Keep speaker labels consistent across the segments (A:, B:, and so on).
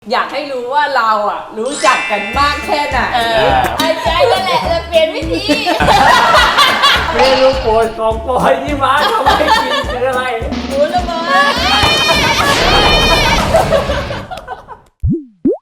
A: อยากให้รู้ว่าเรารู้จักกันมากแค่ไหน
B: ไอ้ใจนั่นแหละจะเปลี่ยนวิธี
C: เมนูโปรดของปอยที่มาทำให้กินคืออะไร
B: หมูระเบิด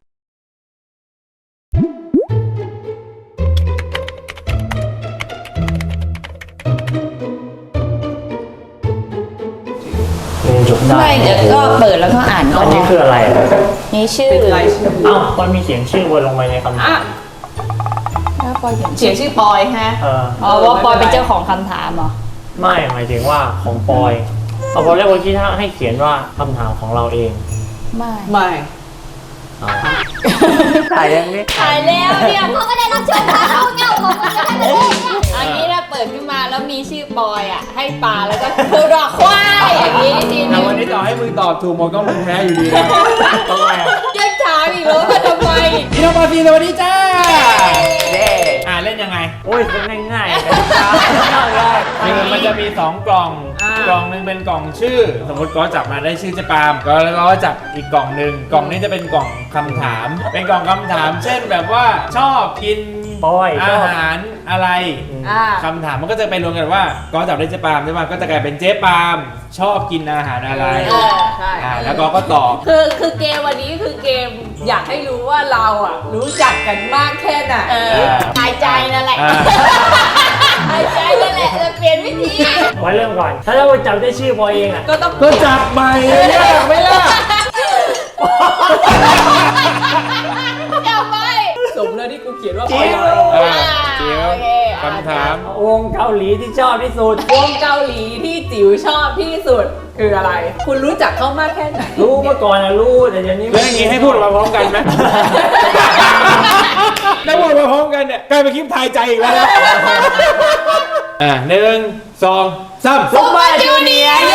C: จบได้
B: ไม่เดี๋ยวก็เปิดแล้วก็อ่านก็
C: อันนี้คืออะไร
B: นี่ชื่อ
C: เอ้ามันมีเขียนชื่อวนลงไปในคำถาม
B: แล้วปอย
A: เขียนชื่อปอยฮะ
B: ว่าปอยเป็นเจ้าของคำถามเหรอ
C: ไม่หมายถึงว่าของปอยเอาพอแรกเมื่อกี้ถ้าให้เขียนว่าคำถามของเราเอง
A: ไม่
C: ถ่ายยังนี้
B: ถ่ายแล้วเนี่ยเขาก็ได้รับเชิญมาเขาเงาของมันจะได้เป็นอันนี้ถ้าเปิดขึ้นมาแล้วมีชื่อปอยให้ปลาแล้วก็คือดอกควายอย่างนี้ทีนี้
D: วันนี้ต่อให้มึงตอบถูกหมดก็มึงแพ้อยู่ดีนะ
C: ทำไม
B: ยังถามอีกแล้วว่าทำไม
D: พี่น้องปาซีสวัสดีจ้าเด้เล่นยังไง
C: โอ้ยเป็นง่ายๆกันจ้า
D: มันจะมี2กล่องกล่องนึงเป็นกล่องชื่อสมมติก็จับมาได้ชื่อเจ๊ปามแล้วก็จับอีกกล่องนึงกล่องนี้จะเป็นกล่องคำถามเป็นกล่องคำถามเช่นแบบว่าชอบกินอาหารอะไรคำถามมันก็จะไปรวมกันว่าก็จับได้เจ๊ปามใช่ไหมก็จะกลายเป็นเจ๊ปามชอบกินอาหารอะไร
A: ใช่
D: แล้วก็ตอบ
A: คือเกมวันนี้คือเกมอยากให้รู้ว่าเรารู้จักกันมากแค่ไหน
B: หายใจนั่นแหละหายใจนั่นแหละจะเปลี่ยนวิธี
C: ไว้เริ่มก่อนถ้าเราจับได้ชื่อปอยเอง
D: ก็จับใหม่ยากไหมล่ะ
B: จับไป
A: สมแล้วที่กูเขียนว่า
D: เจียวคำถาม
C: วงเกาหลีที่ชอบที่สุด
A: วงเกาหลีที่จิ๋วชอบที่สุดคืออะไรคุณรู้จักเขามากแค่ไหน
C: รู้เมื่อก่อนรู้แต่เดี๋ยวนี้
D: เรื่องนี้ให้พูดมาพร้อมกันไหมได้พูดมาพร้อมกันเนี่ยกลายเป็นคลิปทายใจอีกแล้วนะ1 2 3
B: ซุปเปอร์จูเนียร์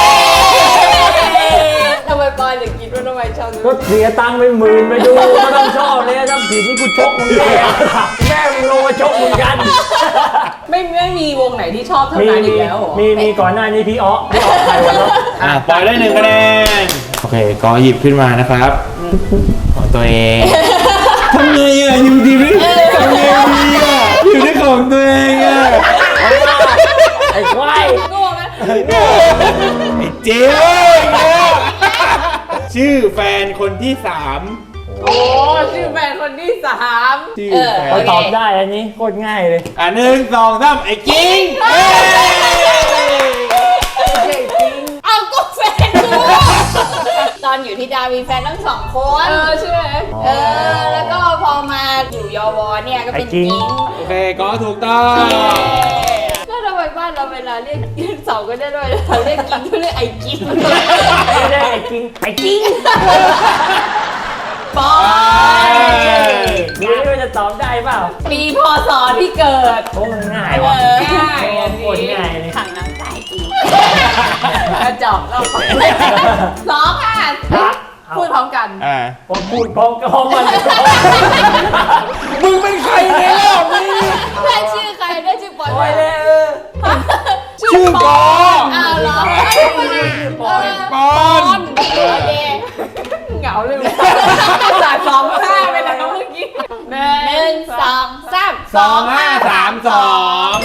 A: ทำไมปอยถึงคิดว่าทำไมชอบ
C: ก็เสียตังค์เป็นหมื่นไปดูก็ต้องชอบเลยทำผิดที่กูชกมึงแม่มึงลงมาชกมึงกัน
A: ไม่มีวงไหนที่ชอบเท่านั้นอีกแล้ว
C: มีก่อนหน้านี้พี่ใครวะเนาะ
D: ปล่อยได้1 คะแนนโอเคก็หยิบขึ้นมานะครับของตัวเองทำไงอยู่ดีไม่ทำไงดีอยู่ในของตัวเอง
C: ไอ้ควาย
A: โง่ไหม
D: ไอ้เจ๊ชื่อแฟนคนที่3
A: โอ้ชื่อแฟนคนที่3
C: เขาตอบได้อันนี้โคตรง่ายเลย
D: 1 2 3ไอ้กิ้ง
B: เอาก็แฟนกูตอนอยู่ที่ดามีแฟนทั้ง2 คน
A: ใช่ไหม
B: แล้วก็พอมาอยู่ยวเนี่ยก็เป็นกิ้ง
D: โอเคก็ถูกต้อง
A: แล้วทำไมบ้านเราเวลาเรียก2ก็ได้ด้วยเราเรียกกิ้งก็เรียกไอ้กิ้ง
C: ไม่ได้ไอ้กิ้ง
A: ปอย
C: นี่ไม่รู้จะตอบได้เปล่า
A: ปีพศที่เกิด
C: โอ้มันง่ายว่ะโคตรง่ายเลย
B: ขังน้ำตาจริง
A: กระจอกเราร้องพูดพร้อมกัน
C: ผมพูดพร้อมกัน
D: มึงเป็นใครในรอบนี้
B: ได้ชื่อใครได้ชื่อปอย
C: เลย
D: ชื่อกอน
B: เหรอ
D: ปอน
B: โอเค
A: เหงาเลยจ่าย2-5ไปแล้วเมื่อกี้
B: 1 2 3
D: 2 5 3 2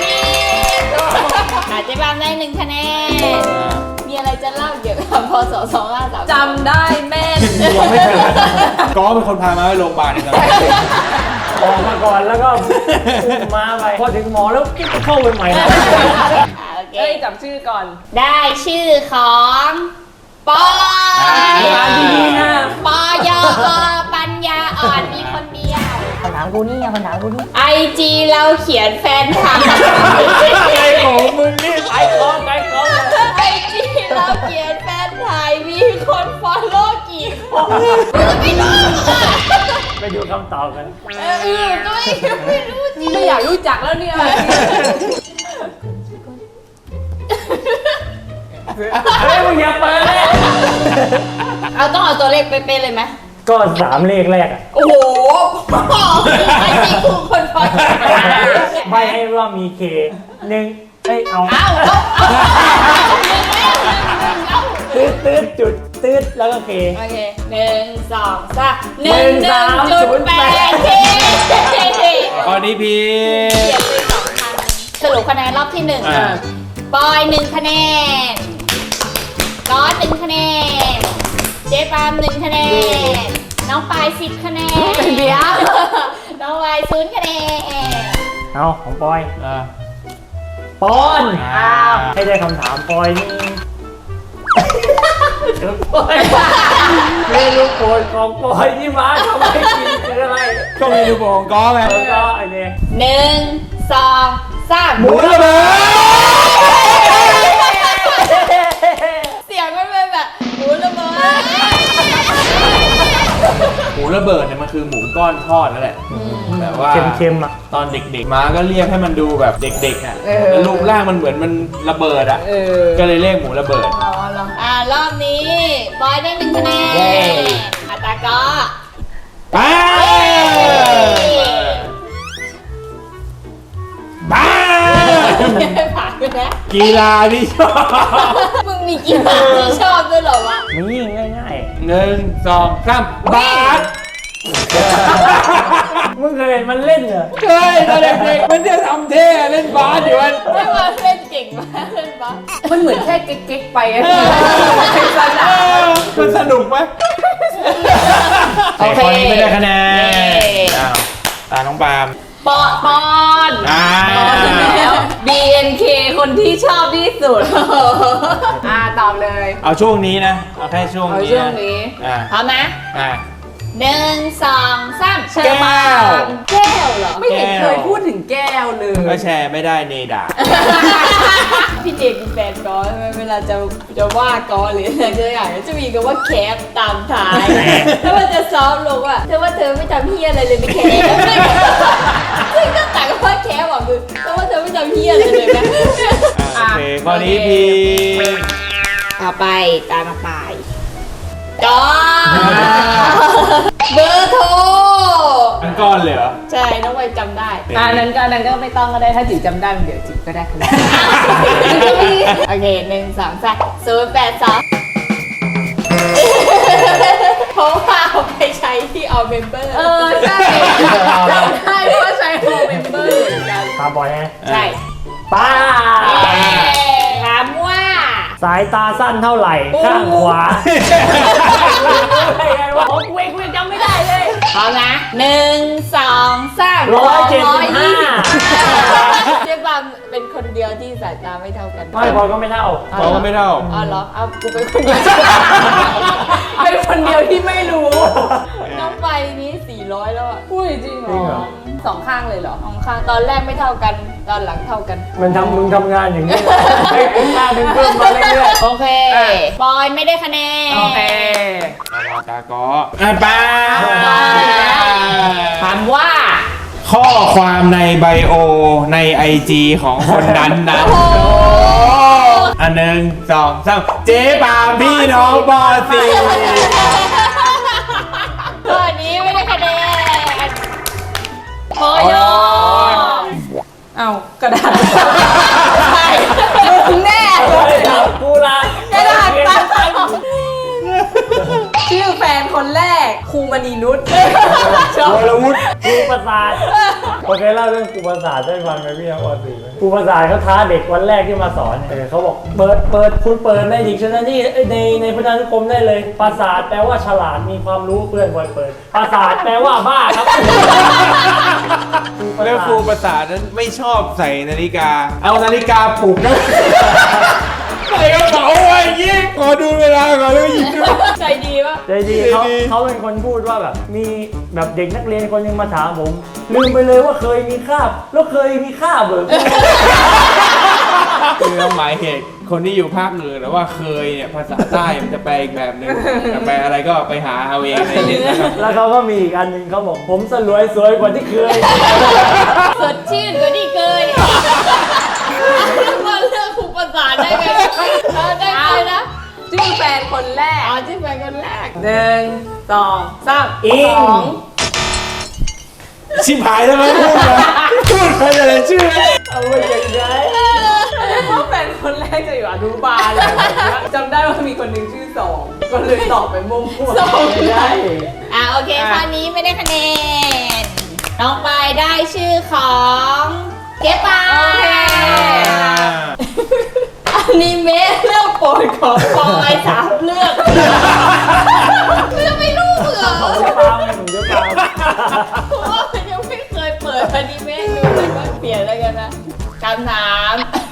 B: อาจจะบ้างได้1 คะแนนมีอะไรจะเล่าเกี่ยวกับพศ2533
A: จำได้แม่น
D: ยังไม่เคยก็เป็นคนพามาไปโรงพยาบาลนี่
C: ออกมาก่อนแล้วก็มาไปพอถึงหมอแล้วเข้าไปใหม่
B: โอเค
A: จับชื่อก่อน
B: ได้ชื่อของปอย
C: ดีๆนะ
B: ปอยปัญญาอ่อนมีคนเดียว
C: คำถามกูนี่
B: IG เราเขียนแฟนคลับ
D: ไอ้ของมึงนี่
C: ไอ้ของ
B: IG เราเขียนแฟนถ่ายมีคนฟอลโล่กี่คนกูจะไม่รู้
C: ไปดูคำตอบกัน
B: ตัวเองไม่รู้จริง
A: ไม่อยากรู้จักแล้วเนี่ย
C: มึงอย่าเปิดเลย
B: ต้องเอาตัวเลขเป๊ะๆเลยไหม
C: ก็3 เลขแรก
B: โอ้โหไอ้จริงคุณคนฟัง
C: ไม่ให้ว่ามีเค1เอาตื้อจุดตืดแล้วก็เค
B: โอเค1 2 3
C: 1308
B: เค
D: ข้อนี้พี
B: เขียนไป2,000สรุปคะแนนรอบที่1ปอย1คะแนนก๊อต1คะแนนเจ๊ปาม1คะแนนน้องปาย10คะแนนเดี๋ยวน้องวาย0คะแนน
C: เอาของปอย
D: อ่า
C: ปอน
D: อ้าว
C: ให้ได้คำถามปอยนี่เดี๋ยวปอยเมนูโปรดของปอยที่มาทำให้กินคืออะไร
D: ก็เมนูโปรดของก้อไง
C: แล้วก็ไอ้นี่
B: 1 2 3
D: หมูระเบิด
B: เสียงมันเป็นแบบหมูระเบิด
D: หมูระเบิดเนี่ยมันคือหมูก้อนทอดนั่นแหละแบบว่า
C: เค็มๆอ่ะ
D: ตอนเด็กๆมาก็เรียกให้มันดูแบบเด็กๆอ่ะแล้วรูปร่างมันเหมือนมันระเบิดอ่ะก็เลยเรียกหมูระเบิด
B: รอบนี้บอยได้1คะแนน
C: เย้
B: อาตาก็
D: ไปบ้า
B: ผ่านไปแล้ว
D: กีฬาที่ชอบ
B: มึงมีกีฬาที่ชอบด้วยเหรอวะ
C: นี่ง่าย
D: 1 2 3บาส
C: ๆมึงเคยเห็นมันเล่นเหรอ
D: เฮ้ยตอนเด็กๆมันจะทำเท่เล่นบาสอยู่มัน
B: ไม่ว่าเล่นเก่งมากเล่นบ้า
A: มันเหมือนแค่เก๊กๆไปอะ
D: มันสนุกไหม
B: โอเค
C: ข้อนี้ไม่ได้คะแนน
D: อ้าวตาน้องปาล์ม
B: ปอน
A: แล้ว BNK คนที่ชอบที่สุดตอบเลย
D: เอาช่วงนี้นะเอาแค่ช่วง
A: เอา
D: นี้
A: ช่วง
D: นะ
A: นี้
D: อ่า
B: พร้อมไหม
D: อ่า
B: 1 2 3
A: เชอร์มานแก้วเหรอ ไม่เห็น
D: แก้ว
A: เคยพูดถึงแก้วเลย
D: ก็แชร์ไม่ได้เนด่า
B: พี่เจเป็นแฟนกอใช่ไหมเวลาจะว่ากอหรืออะไรจะอย่างจะมีคำว่าแคปตามท้ายถ้ามันจะซ้อมลงอ่ะเธอว่าเธอไม่ทำเฮียอะไรเลยไม่แคปซึ่งก็ต่างกับว่าแคปอ่ะคือเพราะว่าเธอไม่ทำเฮียอะไรเลยนะ
D: โอเคข้อนี้พี
B: ต่อไปตามมาไปก็เบอร์โทร
D: ทั้งก้อนเลยเหรอ
B: ใช่น้องไวจำได้
A: นั้นก็ไม่ต้องก็ได้ถ้าจิ๋วจำได้เดี๋ยวจิ๋วก็ได้คะแนน
B: โอเค1 2 3 0 8 2เพราะว่าเอาไปใช้ที่เอาเมมเบอร์
A: ใช่จำได้เพราะว่าใช้โฮมเมมเบอร์เหมือนกัน
C: ถามปอยไง
B: ใช่
C: ป้า
B: ถามว่า
C: สายตาสั้นเท่าไหร่ ข้างขวาไงวะของเวกจำไม่ได้เลย
B: พร้อมนะ1 2 3
C: 175
B: เจ๊บัมเป็นคนเดียวที่สายตาไม่เท่ากัน
C: ไม่พอก็ไม่เท่า
D: เราก็ไม่เท่า
B: อ๋อเหรอเอากูเป็นคนเดียว
A: เป็นคนเดียวที่ไม่รู้
B: น้องไปนี้400แล้วอ่ะ
A: พูดจริงเหรอสองข้างเลยเหรอ
B: ของข้างตอนแรกไม่เท่ากัน ตอนหลังเท่ากัน
C: มึงทำงานอย่างนี้ให้คุณงานมึงเพิ่มมาเรื่อย
B: โอเคบอยไม่ได้คะแนน
A: โอเค
D: ตาก็ป้า
A: ถามว่า
D: ข้อความในไบโอใน IG ของคนนั้นนะอัน1 2 3เจ๊ปาล์มพี่น้องปอสี
B: ข้อนี้ไม่ได้คะแนนโอ้ย
A: เอากระดาษใช่มึงแน่เลย
C: ๆกูละ
A: กระดาษตัดชื่อแฟนคนแรกครูมณีนุชชอบ
C: วรวุฒิครูประสาทโอเคเล่าเรื่องครูประสาทได้ฟังไหมพี่ครับวันสี่ครูประสาทเขาท้าเด็กวันแรกที่มาสอนเขาบอกเปิดคุณเปิดในดิกชันนารีในพจนานุกรมได้เลยประสาทแปลว่าฉลาดมีความรู้เพื่อนบอยเปิดประสาทแปลว่าบ้าครับ
D: แล้วครูประสาทนั้นไม่ชอบใส่นาฬิกา เอานาฬิกาปลุกนะใส่กระเป๋าไว้ยิ่งขอดูเวลาก่อนแล้วหยิบดู
B: ใจดีปะ
C: ใจดีเขาเป็นคนพูดว่าแบบมีแบบเด็กนักเรียนคนหนึงมาถามผมลืมไปเลยว่าเคยมีคาบแล้วเคยมีคาบเหรอ
D: คือหมายเหตุคนที่อยู่ภาคเหนือแต่ว่าเคยเนี่ยภาษาใต้มันจะแปลอีกแบบหนึ่งจะแปลอะไรก็ไปหาเอาเองในเน็ตนะครับ
C: แล้วเขาก็มีอีกอันหนึ่งเขาบอกผมสวยกว่าที่เคย
B: สดชื่นกว่าที่เคยมาเลือกครูประสานได้ไงได้ไงนะ
A: ชื่อแฟนคนแรก
B: อ๋อที่แฟนคนแรก
A: 1 2 3
C: อิง
D: ชิบหายทำไมพูดไปอะไรชื่อ
C: เอาไว้ยังไง
A: เพราะแฟนคนแรกจะอยู่อนุบาลอะไรแบบเนี้ยจำได้ว่ามีคนหนึ่งชื่อสองก็เลยตอบไปมั่วๆ
C: ไม่ได้
B: โอเคข้อนี้ไม่ได้คะแนนน้องปายได้ชื่อของเก็บปา
A: โอเค
B: อนิเมะเรื่องโปรดของปอย3 เรื่องไม่รู้เหรอ
C: ผมจะตามผมจะตาม
B: เพราะว่ามันยังไม่เคยเปิดอนิเมะดูเลยว่าเปลี่ยนแล้วกันนะคำถาม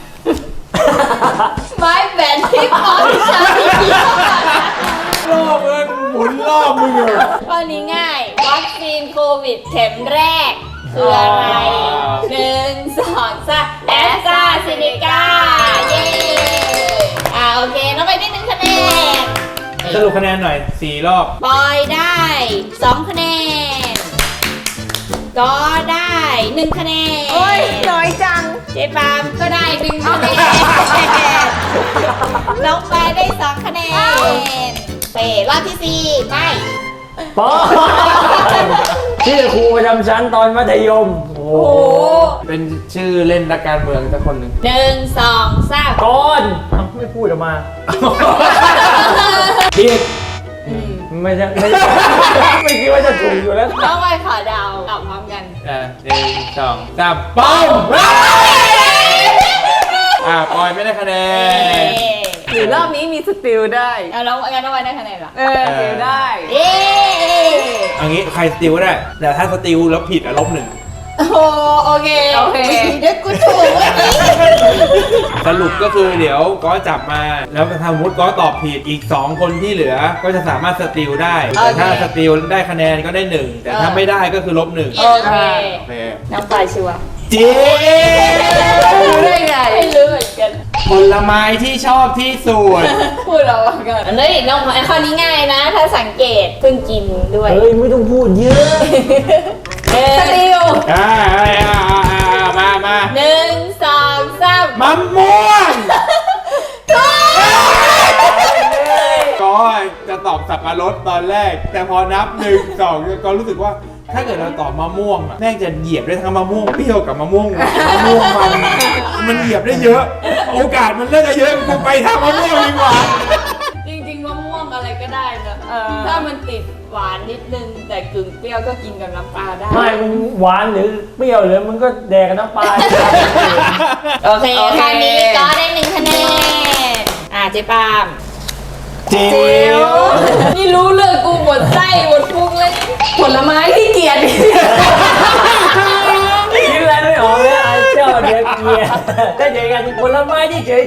B: ไม้แบนที่ปอยใช้
D: รอบมึงหมุนรอบมึงอยู่
B: ข้อนี้ง่ายวัคซีนโควิดเข็มแรกคืออะไร1 2 3แอสตราเซเนกาเย้โอเคน้องไปได้1 คะแนน
D: สรุปคะแนนหน่อย4 รอบ
B: ปอยได้2 คะแนนก็ได้1 คะแนน
A: โอ้ยน้อยจัง
B: เจ๊ปามก็ได้1 คะแนนน้องปายได้2 คะแนนเป๋รอบที่4ไป
C: ปอชื่อครูประจำชั้นตอนมัธยม โอ้
B: โอ้โห
D: เป็นชื่อเล่นนักการเมืองสักคนหนึ่ง
B: 1 2 3
C: ก้อนไม่พูดออกมาผิดไม่ใช่ไม่คิดว่าจะถูกอยู่แล้ว
B: น้องปายขอเดาตอบพร้อมกัน
D: 1 2 3ป้อมปอยไม่ได้คะแนน
A: หรือรอบนี้มีสติลได้
B: เอาน้องงั้นน้องปายได้คะแนนเหรอ
A: สติลได้
B: เย้
D: เอางี้ใครสติลก็ได้ แต่ถ้าสติลแล้วผิดลบ 1
B: โอ้โหโอเค
A: โอเค
B: เดี๋ยวกูถูกเมื่อกี้
D: สรุปก็คือเดี๋ยวก็จับมา แล้วถ้าสมมติก็ตอบผิดอีก 2 คนที่เหลือ ก็จะสามารถสติลได้ แต่ถ้าสติลได้คะแนนก็ได้ 1 แต่ถ้าไม่ได้ก็คือลบ 1
B: โอเค
D: โอเค
B: น้องปายชัวร์
D: จี
A: รู้ได้ไง
B: ไม่รู้เหมือนกัน
D: ผลไม้ที่ชอบที่สุด
B: พูดเราว่ากันเฮ้ยน้องข้อนี้ง่ายนะ ถ้าสังเกตเพิ่งกินด้วย
C: เฮ้ยไม่ต้องพูดเยอะ
A: สติล
D: มา
B: 1 2 3
D: มะม่วงก็จะตอบสับปะรดตอนแรก แต่พอนับ 1 2 ก็รู้สึกว่าถ้าเกิดเราตอบมะม่วงอะแม่งจะเหยียบได้ทั้งมะม่วงเปรี้ยวกับมะม่วงมันเหยียบได้เยอะ โอกาสมันน่าจะเยอะกูไปทางมะม่วงดีกว่า
B: จริงๆมะม่วงอะไรก็ได้นะถ้ามันติดหวานนิดนึง แต่กึ่งเปรี้ยวก็กินกับน้ำปลาได้
C: ไม่มึงหวานหรือเปรี้ยวหรือมึงก็แดกกับน้ำปลา
B: โอเคข้อนี้ก็ได้1 คะแนนเจ๊ปาม
D: จิ๋ว
B: นี่รู้เรื่องกูหมดไส้หมดพุงเลย
A: ผลไม้ที่เกลียด
C: คิดอะไรไม่ออกเลยไอ้เจ้าเด็กเกียร์ถ้าเจอกันผลไม้ที่เฉย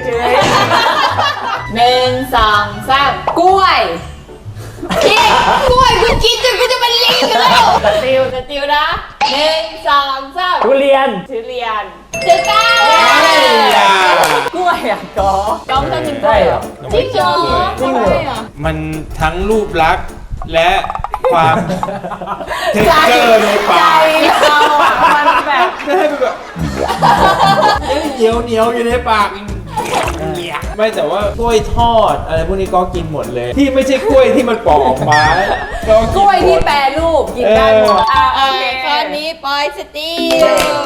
B: 1 2 3
A: กล้วย
B: พี่กล้วยกูกินจนกูจะเป็นลิงอยู่แล้วสติวนะ1 2 3
C: ๆทุเรียน
B: ทุเรียนถูกต้อง
A: กล้วยอ่ะกอ
B: น้องจะกินกล้
C: ใช่
B: วย
C: เห
B: เห
C: ร
B: ร
C: อ
B: อจริงเหรอ
C: จริงเหรอ
B: ทำไมอ่ะ
D: มันทั้งรูปลักษณ์และความเท็กเจอร์ในปาก
A: เราอ่ะมันแบบ
D: จะให้มันแบบเหนียวอยู่ในปากไม่แต่ว่ากล้วยทอดอะไรพวกนี้ก็กินหมดเลย ที่ไม่ใช่กล้วยที่มันปอกออกมาก็
A: กล้วยที่แปรรูปกินได้หมดโอเค
B: ข้อนี้ปอยสติว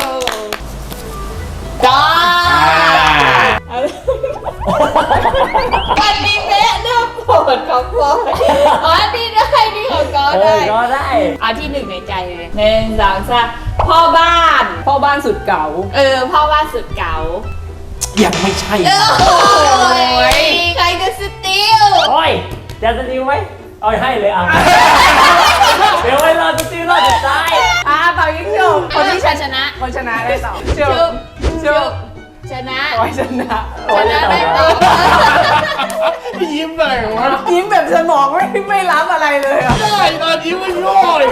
B: จ้าอันนี้แม่เรื่องโปรดของปอยนี่ได้นี่ของกอ
C: เอ
B: ได้
C: อก็ได้
B: ที่ 1 ในใจเลย1 2 3พ่อบ้าน
A: พ่อบ้านสุดเก่า
B: พ่อบ้านสุดเก๋า
D: ยังไม่ใช่
B: โอ้ยใครจะสติว
C: โอ้ยจะสติวไหมเอาให้เลยอ่ะเดี๋ยวไว้รอสติวรอสุดท้าย
A: เป่ายิงจบ
B: คนที่ชนะ
A: คนชนะได้ต่อ
B: ชุบชุบชนะ
A: โอ้ยชนะ
B: ชนะได้ต่อ
D: ยิ้มอะไรวะ
A: ยิ้มแบบสมองไม่รับอะไรเลยอ่ะ
D: ได้ตอนยิ้มมันง่อย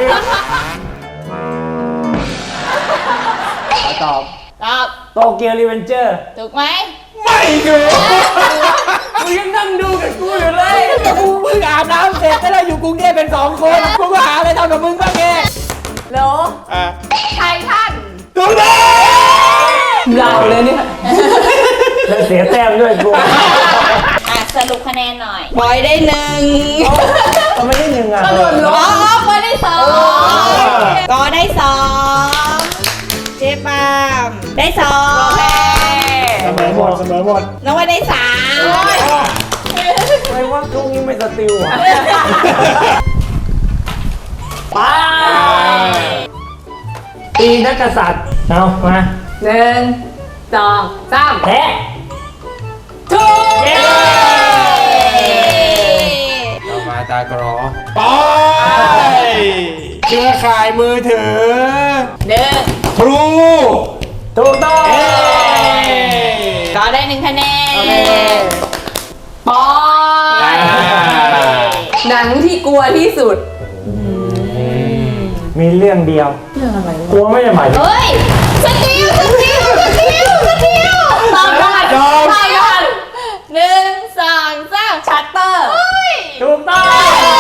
C: ตอบ
B: ตอบ
C: โตเกียวรีเวนเจอร์
B: ถูกไหม
D: ไม่ดู
C: มึงยังนั่งดูกับกูอยู่เลย
D: กูเพิ่งอาบน้ำเสร็จแล้วอยู่กรุงเทพเป็น2 คนกูก็หาอะไรทำกับมึงบ้างแก
A: โล ไททัน
D: ถูกต้อง
A: เราเลยเนี่ย
C: เสียแต้มด้วยกู
B: สรุปคะแนนหน่อยบอยได้1
C: ทำไมได้1อ่ะ
B: อ๋อบอยได้2ก็ได้2เจ๊ปามได้2
C: เสมอหมดเสมอหมด
B: น้องวันได้3
C: ทำไมว่าลูกนี้ไม่สติลอ่ะไปตีนักกษัตริย์เอามา
A: 1 2 3
C: แพ้
A: ถูก
C: เย้
D: ต่อมาตากรอไปเครือข่ายมือถือ
B: 1
D: ครู
C: ถูกต้อง
D: เอ้
B: ก็ได้1 คะแนน
A: โอเค
B: ปอย
A: หนังที่กลัวที่สุด
C: มีเรื่องเดียว
A: เรื่องอะไร
C: กลัวไม่ได้หมายถึง
B: เฮ้ยสติลตอบก่อน
D: ยอม
B: ตอบก่อน1 2 3
A: ชัตเตอร์
C: ถูกต้อง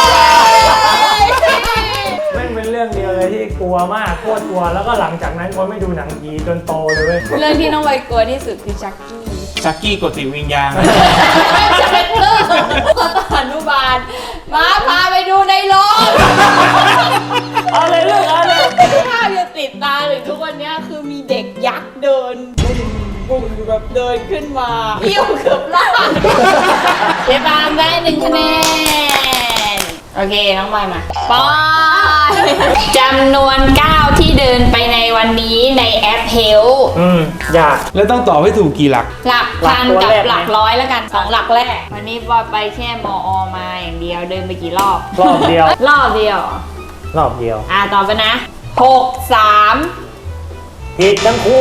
C: ไม่เป็นเรื่องเดียวเลยที่กลัวมากโคตรกลัวแล้วก็หลังจากนั้นก็ไม่ดูหนังผีจนโตเลยเว้ย
B: เรื่องที่น้องใบกลัวที่สุดคือชักกี้
D: ชักกี้กดติวิญญาณ
B: ชักเตอร์ตอนอนุบาลมาพาไปดูในโรง
C: เอาเลยเรื่องเอาเลย
B: ภาพยังติดตาถึงทุกวันนี้คือมีเด็กยักษ์เดินบุ้งแบบเดินขึ้นมาเอี้ยวเกือบล่างเจ๊บามได้1 คะแนน โอเค น้องบอยมาปอยจำนวนก้าวที่เดินไปในวันนี้ในแอปเฮล
C: อยาก
D: แล้วต้องตอบให้ถูกกี่หลัก
B: หลักพัน
C: หลักตัว
B: กับ
C: แรก
B: หลักร้อยแล้วกัน2 หลักแรก วันนี้บอยไปแค่มอมาอย่างเดียวเดินไปกี่รอบ
C: รอบเดียว
B: รอบเดียว
C: รอบเดียว
B: ต่อไปนะ 6 3
C: ผิดทั้งคู่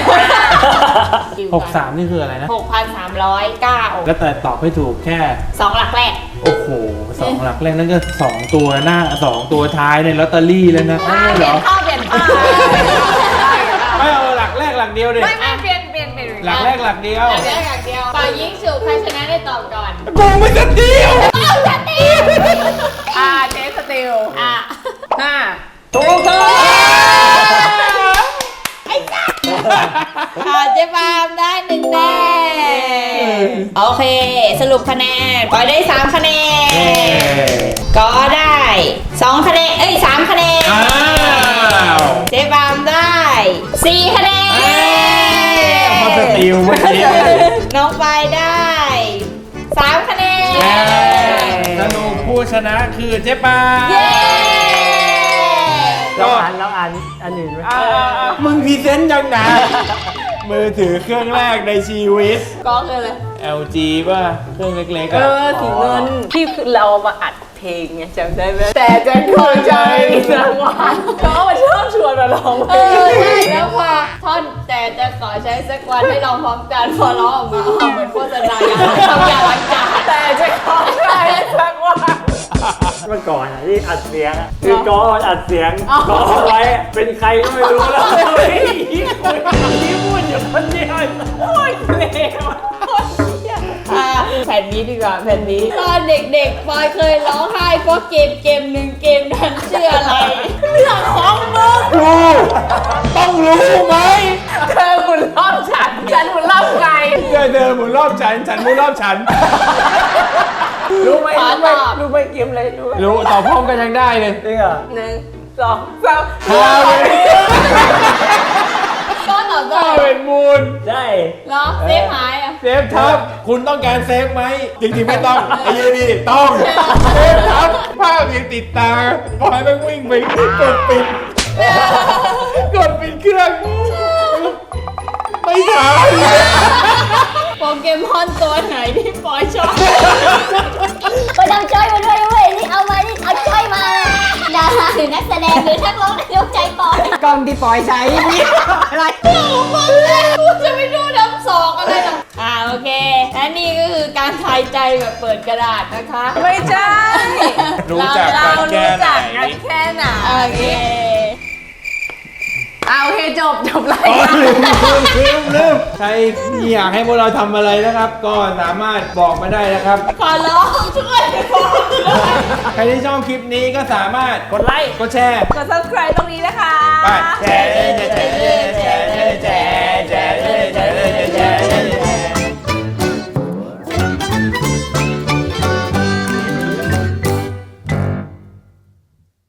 D: 63 นี่คืออะไรนะ
B: 6,309
D: แล้วแต่ตอบให้ถูกแค่
B: 2 หลักแรก
D: โอ้โห2 หลักแรกนั่นก็2 ตัวหน้า2 ตัวท้ายในลอตเตอรี่แล้วนะนั่นเหรอ
A: เปลี่ยนผ้า
D: ไม่เอาหลักแรกหลักเดียวดิ
A: ไม่เปลี่ยน
D: หลักแรกหลักเดียว
B: หลักแรกหลักเดียวฝ่ายยิงฉุบใครชนะได้ตอบก่อน
D: กูไม่จะเดียว
A: เจสติล 5
C: ถูกต้อง
B: เจ๊ปามได้1 แต้มโอเค สรุปคะแนนปอยได้3 คะแนน ก็ได้ 2 คะแนน 3 คะแนน
D: อ้าว
B: เจ๊ปามได้ 4 คะแนน
D: พอสติลเมื่อกี้
B: น้องปายได้ 3 คะแนน
D: สรุปผู้ชนะคือเจ๊ปา
B: เย้
C: เราอ่านอันอื่นไหม
D: มึงพรีเซนต์ยังนะมือถือเครื่องแรกในชีวิต
A: ก็คืออะไร
D: LG ป่ะ เครื่องเล็กๆ
A: เอ
D: อ่ะ
A: อสีเงินที่เรามาอัดเพลงไงจำได้ไหมแต่จะเข้าใจสักวันก็มาชอบชวนมาร้องเพลง
B: ใช่แล้วพอท่อนแต่จะขอใช้สักวันให้ลองพร้อมกันพอร้องออกมาเหมือนโฆษณาอย่างทำอย่างล้างจาน
A: แต่จะเข้าใจสักวัน
C: เมื่อก่อนอะที่อัดเสียงอะคือกออัดเสียงกอไว้เป็นใครก็ไม่รู้แล้วเฮ้ยที่พูดอยู่คนเดียวโอ้ยเลว
B: แผ่นนี้ดีกว่าแผ่นนี้ตอนเด็กๆปอยเคยร้องไห้เพราะเกมหนึ่งเกมนั้นชื่ออะไร
A: เรื่องของมึง
D: รู้ต้องรู้ไหม
A: เธอหมุนรอบฉันหมุนรอบใคร
D: เดินหมุนรอบฉันหมุนรอบฉัน
C: รู้ไหม
B: ขอตอบ
C: รู้ไหมเกมอะไรรู้ไหม
D: รู้ตอบพร้อมกันยังได้เลย
C: จริงเหรอ
A: 1 2 3
D: ฮาเวน
B: ก็ตอบได้
D: ฮาเวนมูน
C: ใช่
B: เหรอเซฟหายอ่ะ
D: เซฟทับคุณต้องการเซฟไหม จริงๆไม่ต้องไอ้ยี่นี่ต้องเซฟทับภาพยังติดตาปล่อยมันวิ่งไปกดปิดเครื่องไม่ทัน
B: โปเกมอนตัวไหนที่ปอยชอบ
E: ไปทำจ้อยมาด้วยเว้ยนี่เอามานี่เอาจ้อยมาดาราหรือนักแสดงหรือนักร้องในดวงใจปอย
A: กล้องที่ปอยใช้นี่อะไร
B: กูจะไม่ดูน้ำสอกอะไรหรอกโอเคและนี่ก็คือการทายใจแบบเปิดกระดาษนะคะ
A: ไม่ใช่
D: รู้จัก
A: เรา
D: กันแค่
A: รู้
D: ไหน
A: จักกันแค่ไหน
B: โอเค
A: โอเคจบราย
D: อ๋อ
A: การ
D: ลืมใครอยากให้พวกเราทำอะไรนะครับ ก็สามารถบอกมาได้นะครับ
B: ขอร้องช่วยบอกด้วย
D: ใครที่ชอบคลิปนี้ก็สามารถ
C: กดไลค์
D: กดแชร์
A: กด subscribe ตรงนี้นะคะ
D: ไปแชร์